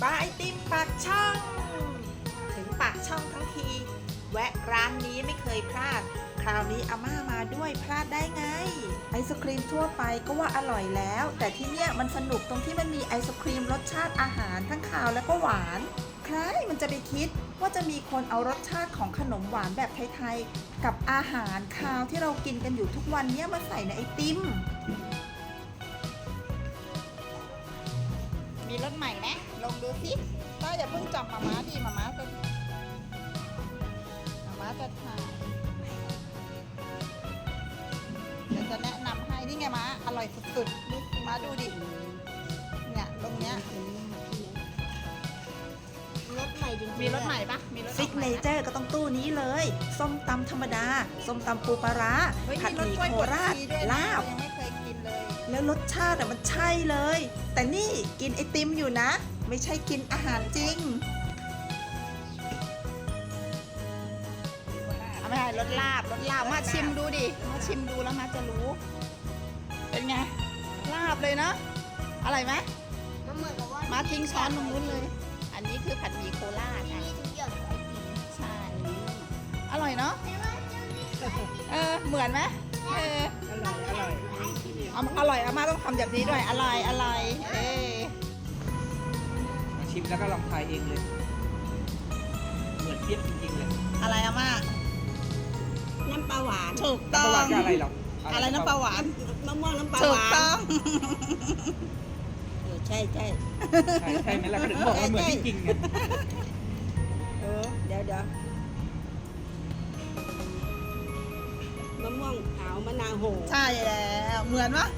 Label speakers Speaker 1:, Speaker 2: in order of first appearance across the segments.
Speaker 1: บายไอติมปากช่องถึงปากช่องทั้งทีแวะร้านนี้ไม่เคยพลาดคราวนี้อาม่ามาด้วยพลาดได้ไงไอศครีมทั่วไปก็ว่าอร่อยแล้วแต่ที่เนี่ยมันสนุกตรงที่มันมีไอศครีมรสชาติอาหารทั้งคาวและก็หวานใครมันจะไปคิดว่าจะมีคนเอารสชาติของขนมหวานแบบไทยๆกับอาหารคาวที่เรากินกันอยู่ทุกวันนี้มาใส่ในไอติมมีรสใหม่ไหมลองดูสิต้าอย่าเพิ่งจับมาม่าดิมาม่าจะถ่ายเดี๋ยวจะแนะนำให้นี่ไงม้าอร่อยสุดๆดูม้าดูดิเนี่ยตรงเนี้ย
Speaker 2: รสใหม่จริงๆ
Speaker 1: มีรสใหม่ปะมีรสซิกเนเจอร์ก็ต้องตู้นี้เลยส้มตำธรรมดาส้มตำปูปลาร้าผัดหมี่โคราชลาบ
Speaker 2: ยังไม่เคยกินเลย
Speaker 1: แล้วรสชาติมันใช่เลย แต่นี่กินไอติมอยู่นะ ไม่ใช่กินอาหารจริงเอาไม่ใช่รสลาบมาชิมดูดิมาชิมดูแล้วมาจะรู้ เป็นไงลาบเลยเนาะอร่อยไหม
Speaker 2: มันเหมือนกับว่า
Speaker 1: มาทิ้งช้อนตรงนู้นเลย อันนี้คือผัดหมี่โคราช
Speaker 2: ที่
Speaker 1: อ่ะ
Speaker 2: นี่ทุกอย่างไอติม
Speaker 1: ใช่อร่อยเนาะ
Speaker 2: แต่ว่าเจ้านี่คือไอติม
Speaker 1: เหมือนไหม
Speaker 2: อร่อย
Speaker 1: อร่อยอาม่าต้องทำแบบนี้ด้วยอร่อย
Speaker 3: มาชิมแล้วก็ลองทายเองเลย เหมือนเทียบจริงๆเลย
Speaker 1: อะไรอาม่า
Speaker 2: น้ำปลาหวาน
Speaker 1: ถูก
Speaker 3: ป
Speaker 1: ต้อ
Speaker 3: ระวั
Speaker 1: ง
Speaker 3: ติอะไรหรอก
Speaker 1: อะไรน้ำปลาหวาน
Speaker 2: มะม่วงน้ำปลา
Speaker 1: ถู
Speaker 2: ห
Speaker 1: ก
Speaker 2: วาน
Speaker 1: ต้อง
Speaker 2: ใช่
Speaker 3: ใช่ไหมล่ะก็ถึงบอกว่าเหมือนจริงๆไง
Speaker 2: เดี๋ยวมะม่วงขาวมะนาวโห
Speaker 1: ใช่แล้วเหมือนปะ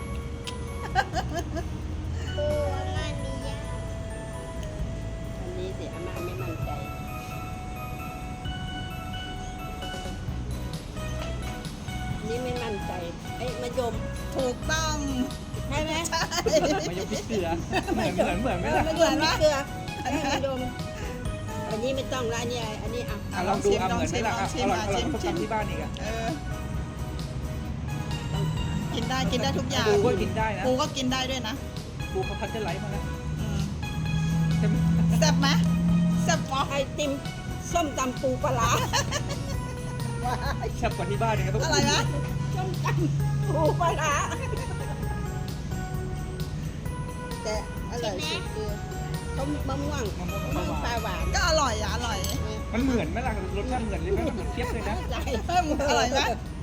Speaker 2: อันนี้สิอาม่าไม่มั่นใจนี่ไม่มั่นใจไอ้มะยม
Speaker 1: ถูกต้อง
Speaker 2: ใช่ไหม
Speaker 1: ใช่
Speaker 3: มายกพริกเกลือเหมือนไหมล่ะ
Speaker 2: มะยมนี่เกลือไอ้มะยมอันนี้ไม่ต้องละอันนี้อ่ะ
Speaker 3: ลองดูเหมือนไหมล่ะอร่อยกว่าส้มตำที่บ้านอีกอ่ะ
Speaker 1: กินได้ทุกอย่าง
Speaker 3: ปูก็กินได้นะ
Speaker 1: ปูก็กินได้ด้วยนะ
Speaker 3: ปูเขาพัชเจอร์ไลท์มาแล้ว
Speaker 1: อืม
Speaker 3: ใช่ไหม
Speaker 1: แซ่บไหมแซ่บปะ
Speaker 2: ไอติมส้มตำปูปลาร้า
Speaker 3: แซ่บกว่าที่บ้านเนี่ยครับ
Speaker 1: อะไรนะ
Speaker 2: ส้มตำปูปลาร้าแต่อร่อยสุดคือต้มมะม่วง
Speaker 3: มะม่วง
Speaker 2: มะม่วงปลาหวาน
Speaker 1: ก็อร่อย
Speaker 3: มันเหมือนไหมล่ะรสชาติเหมือนเลยไหมมันเหมือนเทียบเลยนะ
Speaker 2: ใจ
Speaker 1: อร่อยไหม